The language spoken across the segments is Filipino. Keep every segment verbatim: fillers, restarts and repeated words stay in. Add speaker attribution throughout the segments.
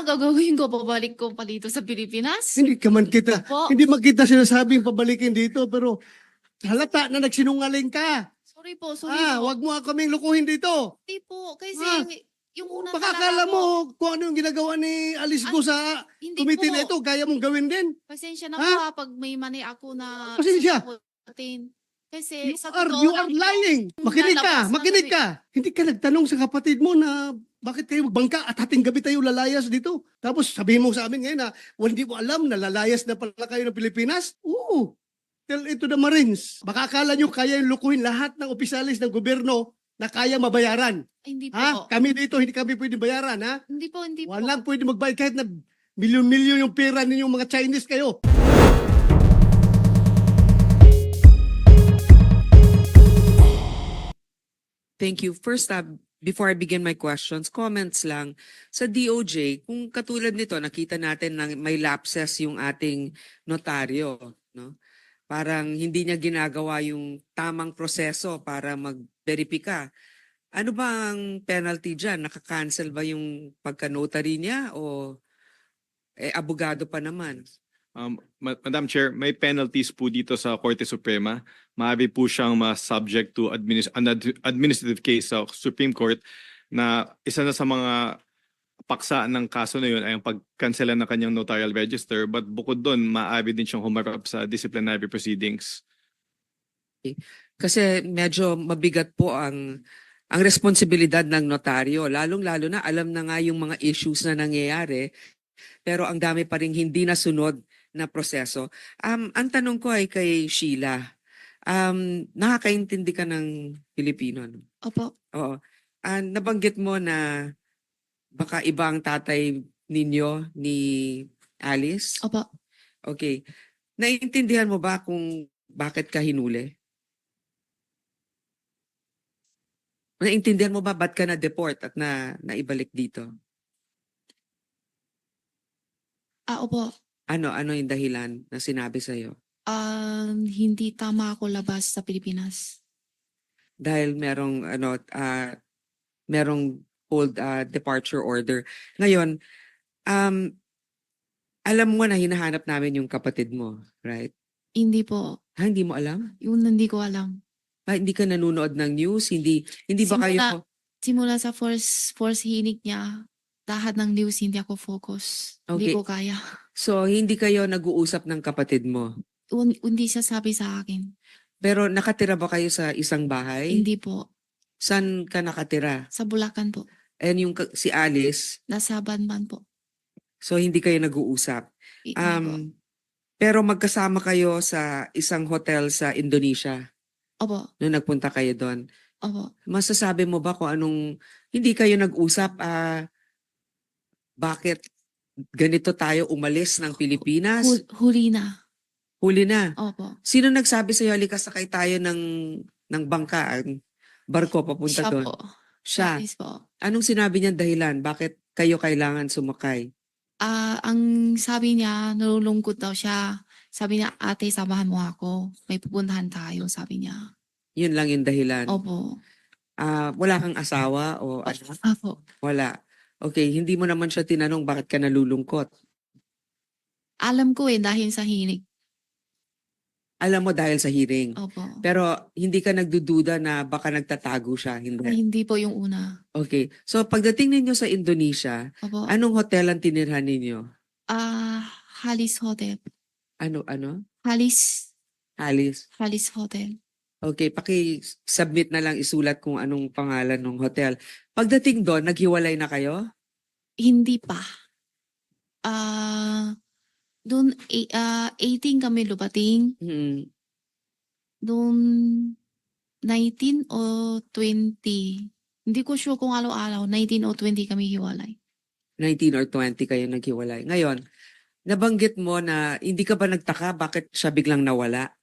Speaker 1: ang gagawin ko? Babalik ko pa dito sa Pilipinas?
Speaker 2: Hindi ka man kita,
Speaker 1: Po.
Speaker 2: hindi man kita sinasabing pabalikin dito, pero halata na nagsinungaling ka.
Speaker 1: Sorry po, sorry
Speaker 2: Ah,
Speaker 1: po.
Speaker 2: wag mo kaming lukuhin dito.
Speaker 1: Hindi po, kasi
Speaker 2: Ah.
Speaker 1: yung una
Speaker 2: Baka
Speaker 1: talaga
Speaker 2: akala
Speaker 1: po,
Speaker 2: mo kung ano yung ginagawa ni Alice Go
Speaker 1: Ay,
Speaker 2: sa
Speaker 1: hindi
Speaker 2: committee na
Speaker 1: po.
Speaker 2: ito, kaya mong gawin din.
Speaker 1: Pasensya na
Speaker 2: Ha?
Speaker 1: po ha, pag may mani ako na
Speaker 2: Pasensya.
Speaker 1: sasagutin. Kasi
Speaker 2: You
Speaker 1: sa
Speaker 2: are,
Speaker 1: totoo
Speaker 2: you
Speaker 1: lang
Speaker 2: are
Speaker 1: po,
Speaker 2: lying. Makinig ka,
Speaker 1: lalabas na
Speaker 2: makinig
Speaker 1: kami.
Speaker 2: ka. Hindi ka nagtanong sa kapatid mo na bakit kayo magbangka at hating gabi tayo lalayas dito. Tapos sabihin mo sa amin ngayon na well, hindi mo alam na lalayas na pala kayo ng Pilipinas. Oo. Tell it to the Marines. Baka akala nyo kaya yung lukuhin lahat ng opisyalis ng gobyerno na kaya mabayaran.
Speaker 1: Ay, hindi po.
Speaker 2: Ha? Kami dito, hindi kami pwede bayaran, ha?
Speaker 1: Hindi po, hindi po.
Speaker 2: Walang pwede magbayad kahit na milyon-milyon yung pera ninyong mga Chinese kayo.
Speaker 3: Thank you. First up, before I begin my questions, comments lang. Sa D O J, kung katulad nito, nakita natin na may lapses yung ating notaryo. No? Parang hindi niya ginagawa yung tamang proseso para mag-verifika. Ano ba ang penalty dyan? Nakakancel ba yung pagka-notary niya o eh, abogado pa naman?
Speaker 4: Um, Ma- Madam Chair, may penalties po dito sa Korte Suprema. Maaari po siyang ma-subject to administ- an ad- administrative case sa Supreme Court na isa na sa mga paksa ng kaso na yun ay ang pagkansela ng kanyang notarial register, but bukod doon, maaari din siyang humarap sa disciplinary proceedings.
Speaker 3: Kasi medyo mabigat po ang ang responsibilidad ng notaryo. Lalong-lalo na alam na nga yung mga issues na nangyayari, pero ang dami pa rin hindi nasunod na proseso. Um, ang tanong ko ay kay Sheila. Um, nakakaintindi ka ng Pilipino? No?
Speaker 1: Opo.
Speaker 3: Oo. Ah, nabanggit mo na baka iba ang tatay ninyo ni Alice?
Speaker 1: Opo.
Speaker 3: Okay. Naiintindihan mo ba kung bakit ka hinuli? Naiintindihan mo ba ba't ka na-deport at na naibalik dito?
Speaker 1: Ah, opo.
Speaker 3: Ano ano yung dahilan na sinabi sa iyo?
Speaker 1: Um, hindi tama ako labas sa Pilipinas.
Speaker 3: Dahil merong ano ah merong hold ah, departure order. Ngayon, um alam mo na hinahanap namin yung kapatid mo, right?
Speaker 1: Hindi po.
Speaker 3: Ha, hindi mo alam?
Speaker 1: Yun hindi ko alam.
Speaker 3: Ah, hindi ka nanonood ng news? Hindi hindi ba kayo
Speaker 1: Simula, simula sa first, first hinig niya, lahat ng news hindi ako focus. Hindi
Speaker 3: Okay.
Speaker 1: ko kaya.
Speaker 3: So hindi kayo nag-uusap ng kapatid mo?
Speaker 1: Un- Hindi siya sabi sa akin.
Speaker 3: Pero nakatira ba kayo sa isang bahay?
Speaker 1: Hindi po.
Speaker 3: Saan ka nakatira?
Speaker 1: Sa Bulacan po.
Speaker 3: And yung ka- si Alice,
Speaker 1: Nasa Banban po.
Speaker 3: so hindi kayo nag-uusap.
Speaker 1: Hindi po.
Speaker 3: Um, pero magkasama kayo sa isang hotel sa Indonesia
Speaker 1: Opo.
Speaker 3: nung nagpunta kayo doon.
Speaker 1: Opo.
Speaker 3: Masasabi mo ba kung anong hindi kayo nag-usap? ah bakit ganito tayo umalis ng Pilipinas?
Speaker 1: Hul- huli na.
Speaker 3: Huli na.
Speaker 1: Opo.
Speaker 3: Sino nagsabi sa iyo, halika sakay tayo ng, ng bangka, ang barko papunta
Speaker 1: Siya
Speaker 3: doon?
Speaker 1: po.
Speaker 3: Siya.
Speaker 1: Yes po.
Speaker 3: Anong sinabi niya dahilan? Bakit kayo kailangan sumakay?
Speaker 1: Ah, ang sabi niya, nalulungkot daw siya. Sabi niya, ate, samahan mo ako. May pupuntahan tayo, sabi niya.
Speaker 3: Yun lang yung dahilan.
Speaker 1: Opo.
Speaker 3: Ah, wala kang asawa o anak?
Speaker 1: Opo.
Speaker 3: Wala. Okay, hindi mo naman siya tinanong bakit ka nalulungkot.
Speaker 1: Alam ko eh, dahil sa hinig.
Speaker 3: Alam mo dahil sa hearing.
Speaker 1: Opo.
Speaker 3: Pero hindi ka nagdududa na baka nagtatago siya.
Speaker 1: Ay,
Speaker 3: Hindi.
Speaker 1: hindi po yung una.
Speaker 3: Okay. So pagdating ninyo sa Indonesia,
Speaker 1: Opo.
Speaker 3: anong hotel ang tinirhan ninyo?
Speaker 1: Ah, Halis Hotel.
Speaker 3: Ano, ano?
Speaker 1: Halis,
Speaker 3: Alice.
Speaker 1: Halis Hotel.
Speaker 3: Okay, paki-submit na lang isulat kung anong pangalan ng hotel. Pagdating doon, naghiwalay na kayo?
Speaker 1: Hindi pa. Ah, doon, eh, ah, eighteen kami lubating.
Speaker 3: Hmm.
Speaker 1: Doon, nineteen o twenty. Hindi ko sure kung araw-araw. nineteen o twenty kami hiwalay.
Speaker 3: nineteen or twenty kayo naghiwalay. Ngayon, nabanggit mo na hindi ka ba nagtaka bakit siya biglang nawala?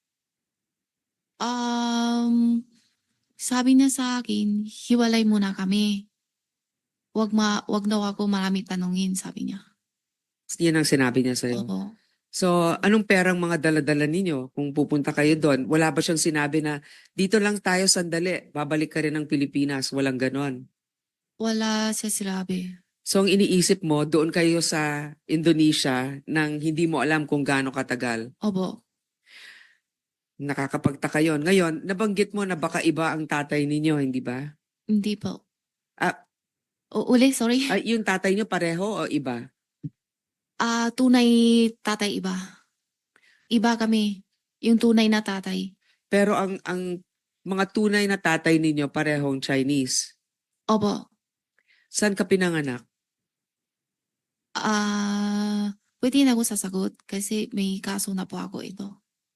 Speaker 1: Um, sabi niya sa akin, hiwalay muna kami. Wag ma, wag daw ako marami tanungin, sabi niya.
Speaker 3: Yan ang sinabi niya sa'yo.
Speaker 1: Opo.
Speaker 3: So, anong perang mga dala-dala ninyo kung pupunta kayo doon? Wala ba siyang sinabi na dito lang tayo sandali, babalik ka rin ng Pilipinas? Walang ganon.
Speaker 1: Wala siya sinabi.
Speaker 3: So ang iniisip mo, doon kayo sa Indonesia nang hindi mo alam kung gaano katagal.
Speaker 1: Opo.
Speaker 3: Nakakapagtaka yun. Ngayon, nabanggit mo na baka iba ang tatay ninyo, hindi ba?
Speaker 1: Hindi po.
Speaker 3: Ah,
Speaker 1: O, uli, sorry.
Speaker 3: ay, yung tatay nyo pareho o iba?
Speaker 1: Ah, tunay tatay iba. Iba kami. Yung tunay na tatay.
Speaker 3: Pero ang ang mga tunay na tatay ninyo parehong Chinese.
Speaker 1: Opo.
Speaker 3: Saan ka pinanganak?
Speaker 1: Ah, pwede na ako sasagot kasi may kaso na po ako ito.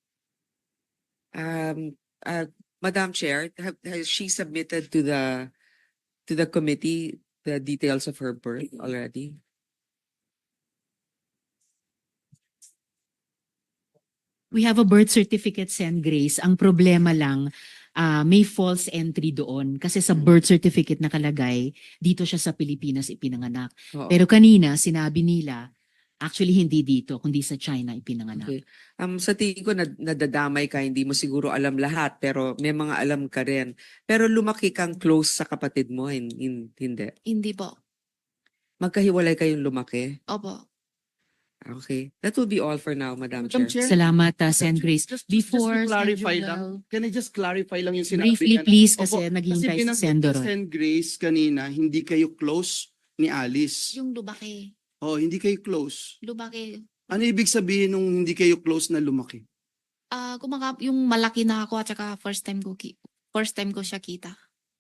Speaker 3: Um, uh, Madam Chair, have, has she submitted to the to the committee the details of her birth already?
Speaker 5: We have a birth certificate, Sen Grace. Ang problema lang, ah, may false entry doon. Kasi sa birth certificate nakalagay, dito siya sa Pilipinas ipinanganak.
Speaker 3: Oo.
Speaker 5: Pero kanina, sinabi nila, actually hindi dito, kundi sa China ipinanganak.
Speaker 3: Okay. Um, sa tingin ko nad- nadadamay ka, hindi mo siguro alam lahat, pero may mga alam ka rin. Pero lumaki kang close sa kapatid mo, hin- hin- hindi.
Speaker 1: Hindi po.
Speaker 3: Magkahiwalay kayong lumaki.
Speaker 1: Opo.
Speaker 3: Okay. That will be all for now, Madam,
Speaker 6: Madam
Speaker 3: Chair.
Speaker 6: Chair,
Speaker 5: Salamat, ah, Sen Grace.
Speaker 6: just, just
Speaker 5: Before
Speaker 6: to clarify
Speaker 5: Sen
Speaker 6: lang,
Speaker 5: Joel,
Speaker 6: can I just clarify lang yung sinabi
Speaker 5: briefly
Speaker 6: niya?
Speaker 5: please,
Speaker 6: Opo,
Speaker 5: kasi naghihintay si
Speaker 6: binanggit
Speaker 5: Sen
Speaker 6: ni
Speaker 5: Doroy.
Speaker 6: Sen Grace kanina, hindi kayo close ni Alice.
Speaker 1: Yung lumaki.
Speaker 6: Oh, hindi kayo close.
Speaker 1: Lumaki.
Speaker 6: Ano ibig sabihin nung hindi kayo close na lumaki?
Speaker 1: Ah, kumaka yung malaki na ako at saka first time ko ki first time ko siya kita.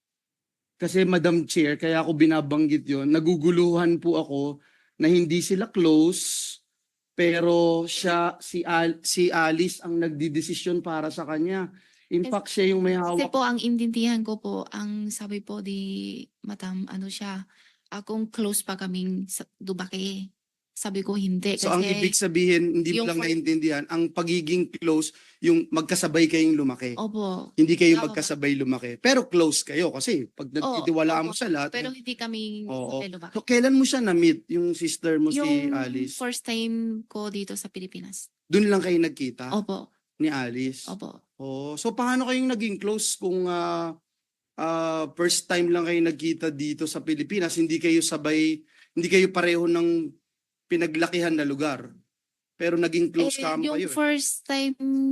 Speaker 6: Kasi Madam Chair, kaya ako binabanggit yon. Naguguluhan po ako na hindi sila close, pero siya, si, Al, si Alice ang nagdidesisyon para sa kanya. In
Speaker 1: Kasi-
Speaker 6: fact, siya yung may
Speaker 1: Kasi
Speaker 6: hawak.
Speaker 1: po ang intindihan ko po, ang sabi po di Madam ano siya, akong close pa kaming sa Dubake. Sabi ko hindi
Speaker 6: So ang
Speaker 1: kasi
Speaker 6: ibig sabihin, hindi mo
Speaker 1: yung
Speaker 6: lang
Speaker 1: for-
Speaker 6: naintindihan, ang pagiging close, yung magkasabay kayong lumaki.
Speaker 1: opo.
Speaker 6: Hindi kayo
Speaker 1: Tama.
Speaker 6: magkasabay lumaki. Pero close kayo kasi pag nagtitiwalaan mo
Speaker 1: opo.
Speaker 6: sa lahat.
Speaker 1: Pero hindi kami
Speaker 6: Oo.
Speaker 1: sabay lumaki.
Speaker 6: So kailan mo siya na-meet, yung sister mo si
Speaker 1: Yung
Speaker 6: Alice?
Speaker 1: first time ko dito sa Pilipinas.
Speaker 6: Doon lang kayo nagkita
Speaker 1: Opo.
Speaker 6: ni Alice?
Speaker 1: Opo.
Speaker 6: Oh, so paano kayong naging close kung ah, ah, first time lang kayo nagkita dito sa Pilipinas, hindi kayo sabay, hindi kayo pareho ng pinaglakihan na lugar. Pero naging close
Speaker 1: Eh,
Speaker 6: kamo
Speaker 1: yung
Speaker 6: kayo. eh.
Speaker 1: first time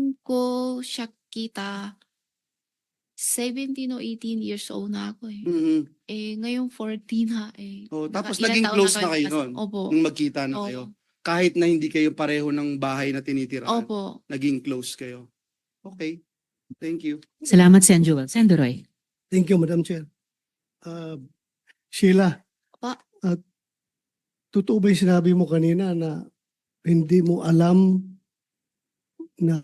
Speaker 1: ko siya kita, seventeen o eighteen years old na ako eh.
Speaker 6: Mhm.
Speaker 1: Eh, ngayong fourteen ha eh.
Speaker 6: Oh,
Speaker 1: Naka-
Speaker 6: tapos
Speaker 1: ilang
Speaker 6: naging
Speaker 1: taon
Speaker 6: close na kayo
Speaker 1: kasi-
Speaker 6: noon.
Speaker 1: Opo.
Speaker 6: Nung magkita na
Speaker 1: Opo.
Speaker 6: kayo. Kahit na hindi kayo pareho ng bahay na tinitiraan.
Speaker 1: Opo.
Speaker 6: Naging close kayo. Okay. Thank you.
Speaker 5: Salamat, Sen Joel. Sen Doroy.
Speaker 2: Thank you, Madam Chair. Uh, Sheila,
Speaker 1: Pa.
Speaker 2: at totoo ba yung sinabi mo kanina na hindi mo alam na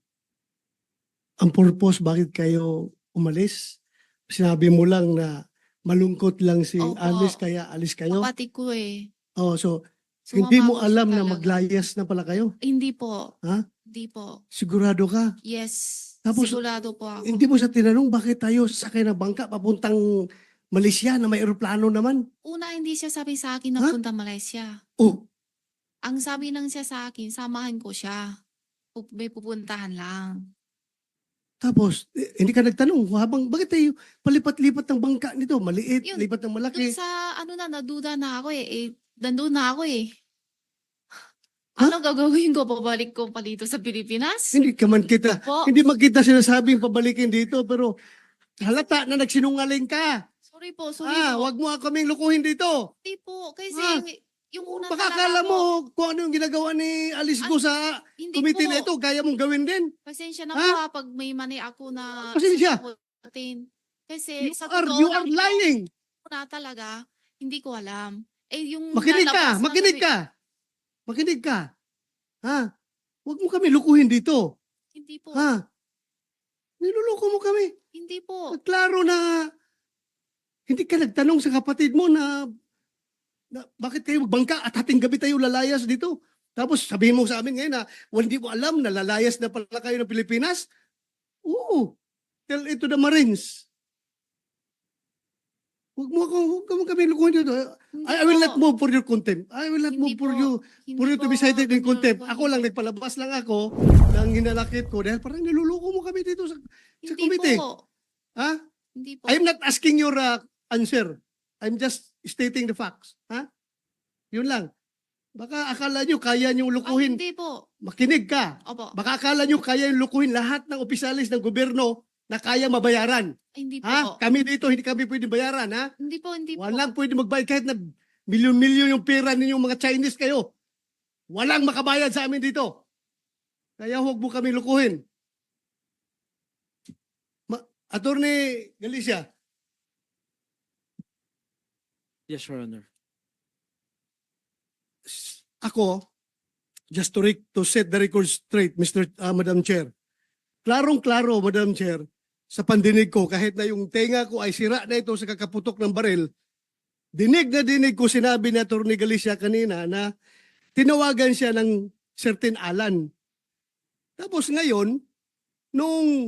Speaker 2: ang purpose bakit kayo umalis? Sinabi mo lang na malungkot lang si
Speaker 1: Opo.
Speaker 2: Alice kaya alis kayo?
Speaker 1: Kapatid ko eh.
Speaker 2: Oh, so
Speaker 1: Sumama
Speaker 2: hindi mo
Speaker 1: ako siya
Speaker 2: alam na
Speaker 1: talaga.
Speaker 2: maglayas na pala kayo?
Speaker 1: Hindi po.
Speaker 2: Ha?
Speaker 1: Hindi po.
Speaker 2: Sigurado ka?
Speaker 1: Yes.
Speaker 2: Tapos,
Speaker 1: Sigurado po ako.
Speaker 2: Hindi mo sa tinanong bakit tayo sasakay ng bangka papuntang Malaysia na may eroplano naman?
Speaker 1: Una, hindi siya sabi sa akin na
Speaker 2: Ha?
Speaker 1: punta Malaysia.
Speaker 2: Oh,
Speaker 1: Ang sabi lang siya sa akin, samahan ko siya. Pu- May pupuntahan lang.
Speaker 2: tapos eh, hindi ka nagtanong habang bakit tayo palipat-lipat ng bangka nito? Maliit,
Speaker 1: Yun,
Speaker 2: lipat ng malaki.
Speaker 1: Doon sa ano na, naduda na ako eh. eh nandun na ako eh.
Speaker 2: Ha?
Speaker 1: Ano gagawin ko? Pabalik ko pa dito sa Pilipinas?
Speaker 2: Hindi ka man kita,
Speaker 1: Po.
Speaker 2: hindi man kita sinasabing pabalikin dito pero halata na nagsinungaling ka.
Speaker 1: Sorry po, sorry
Speaker 2: Ah,
Speaker 1: po.
Speaker 2: wag mo kaming lukuhin dito.
Speaker 1: Hindi po. Kasi
Speaker 2: Ah.
Speaker 1: yung una
Speaker 2: Baka
Speaker 1: talaga
Speaker 2: akala
Speaker 1: po,
Speaker 2: mo kung ano yung ginagawa ni Alice Go
Speaker 1: Ano?
Speaker 2: sa
Speaker 1: hindi
Speaker 2: committee
Speaker 1: po.
Speaker 2: na ito, kaya mong gawin din.
Speaker 1: Pasensya na
Speaker 2: Ha?
Speaker 1: po ha, pag may mani ako na
Speaker 2: Pasensya.
Speaker 1: sasagutin. Kasi
Speaker 2: You
Speaker 1: sa
Speaker 2: are,
Speaker 1: totoo
Speaker 2: you
Speaker 1: lang
Speaker 2: are
Speaker 1: po,
Speaker 2: lying.
Speaker 1: na talaga, hindi ko alam. Eh, yung
Speaker 2: Makinig
Speaker 1: lalabas
Speaker 2: ka,
Speaker 1: na
Speaker 2: makinig
Speaker 1: sabi-
Speaker 2: ka. Makinig ka. Ha? Huwag mo kami lukuhin dito.
Speaker 1: Hindi po.
Speaker 2: Ha? Niluluko mo kami.
Speaker 1: Hindi po.
Speaker 2: Klaro na hindi ka nagtanong sa kapatid mo na, na bakit kayo magbangka at hating gabi tayo lalayas dito. Tapos sabihin mo sa amin ngayon na well, hindi mo alam na lalayas na pala kayo ng Pilipinas. Oo. Tell it to the Marines. Huwag mo, ako- huwag mo kami lukuhin dito.
Speaker 1: Hindi
Speaker 2: I, I will
Speaker 1: po.
Speaker 2: not move for your contempt. I will not
Speaker 1: Hindi
Speaker 2: move for
Speaker 1: po.
Speaker 2: you
Speaker 1: Hindi
Speaker 2: for you to
Speaker 1: po
Speaker 2: be cited in
Speaker 1: ganyan
Speaker 2: contempt.
Speaker 1: po.
Speaker 2: Ako lang, nagpalabas lang ako ng hinalakit ko dahil parang niluluko mo kami dito sa, sa
Speaker 1: Hindi
Speaker 2: committee.
Speaker 1: po.
Speaker 2: Ha?
Speaker 1: Hindi po.
Speaker 2: I'm not asking your uh, answer. I'm just stating the facts. Ha? Yun lang. Baka akala nyo kaya nyo
Speaker 1: Ay,
Speaker 2: lukuhin.
Speaker 1: hindi po.
Speaker 2: Makinig ka.
Speaker 1: Opo.
Speaker 2: Baka akala nyo kaya yung lukuhin lahat ng opisyalis ng gobyerno na kaya mabayaran.
Speaker 1: Ay, hindi po.
Speaker 2: Ha? Kami dito, hindi kami pwede bayaran, ha?
Speaker 1: Hindi po, hindi po.
Speaker 2: Walang pwede magbayad kahit na milyon-milyon yung pera ninyong mga Chinese kayo. Walang makabayad sa amin dito. Kaya huwag mo kami lukuhin. Ma Attorney Galicia,
Speaker 7: Yes, Your Honor.
Speaker 2: ako, just to, rec- to set the record straight, Mister uh, Madam Chair, klarong-klaro, Madam Chair, sa pandinig ko, kahit na yung tenga ko ay sira na ito sa kakaputok ng baril, dinig na dinig ko sinabi ni Attorney Galicia kanina na tinawagan siya ng certain Alan. Tapos ngayon, nung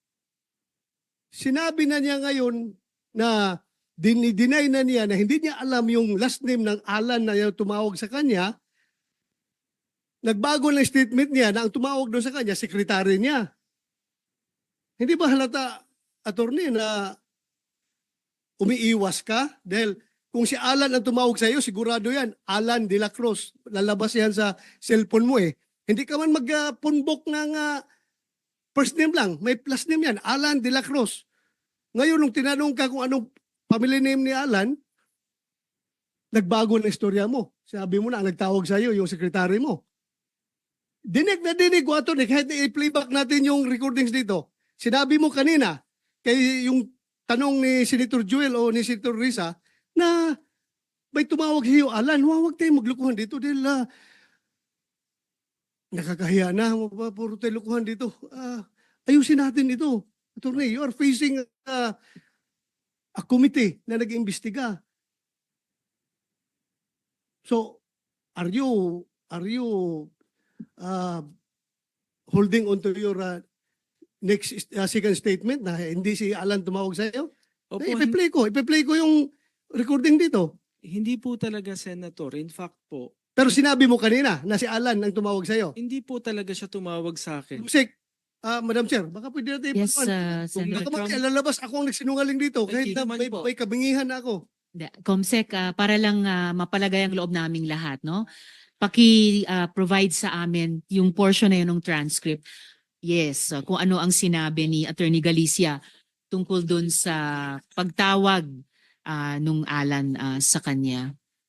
Speaker 2: sinabi na niya ngayon na dinideny na niya na hindi niya alam yung last name ng Alan na yung tumawag sa kanya, nagbago ng statement niya na ang tumawag doon sa kanya, sekretary niya. Hindi ba halata, attorney, na umiiwas ka? Dahil kung si Alan ang tumawag sa iyo, sigurado yan, Alan de la Cruz. Lalabas yan sa cellphone mo eh. Hindi ka man mag-punbok ng uh, first name lang. May plus name yan, Alan de la Cruz. Ngayon, nung tinanong ka kung anong family name ni Alan, nagbago na istorya mo. Sabi mo na, ang nagtawag sa iyo, yung sekretary mo. Dinig na dinig ko, attorney, kahit i-playback natin yung recordings dito. Sinabi mo kanina, kay yung tanong ni Senator Joel o ni Senator Risa, na may tumawag sa iyo, Alan, huwag tayong maglukuhan dito dahil uh, nakakahiya na, puro tayo lukuhan dito. Uh, ayusin natin ito. Attorney, you are facing uh, a committee na nag-iimbestiga. So, are you, are you uh, holding on to your uh, next uh, second statement na hindi si Alan tumawag sa iyo?
Speaker 7: Opo,
Speaker 2: Eh,
Speaker 7: hin-
Speaker 2: ipe-play ko, ipe-play ko yung recording dito.
Speaker 7: hindi po talaga, Senator. In fact po,
Speaker 2: Pero sinabi mo kanina na si Alan ang tumawag sa iyo.
Speaker 7: hindi po talaga siya tumawag sa akin.
Speaker 2: Musik, ah, Madam Chair, baka pwede natin
Speaker 5: Yes,
Speaker 2: ipagpan.
Speaker 5: uh,
Speaker 2: Kung
Speaker 5: Senator.
Speaker 2: baka mamaya lalabas ako ang nagsinungaling dito
Speaker 7: Ay,
Speaker 2: kahit
Speaker 7: di
Speaker 2: na
Speaker 7: naman
Speaker 2: may,
Speaker 7: po.
Speaker 2: may kabingihan na ako.
Speaker 5: Da- Comsec, ah, para lang ah, mapalagay ang loob naming lahat, no? Paki-provide sa amin yung portion na yun ng transcript. Yes, ah, kung ano ang sinabi ni Attorney Galicia tungkol dun sa pagtawag ah, nung Alan ah, sa kanya.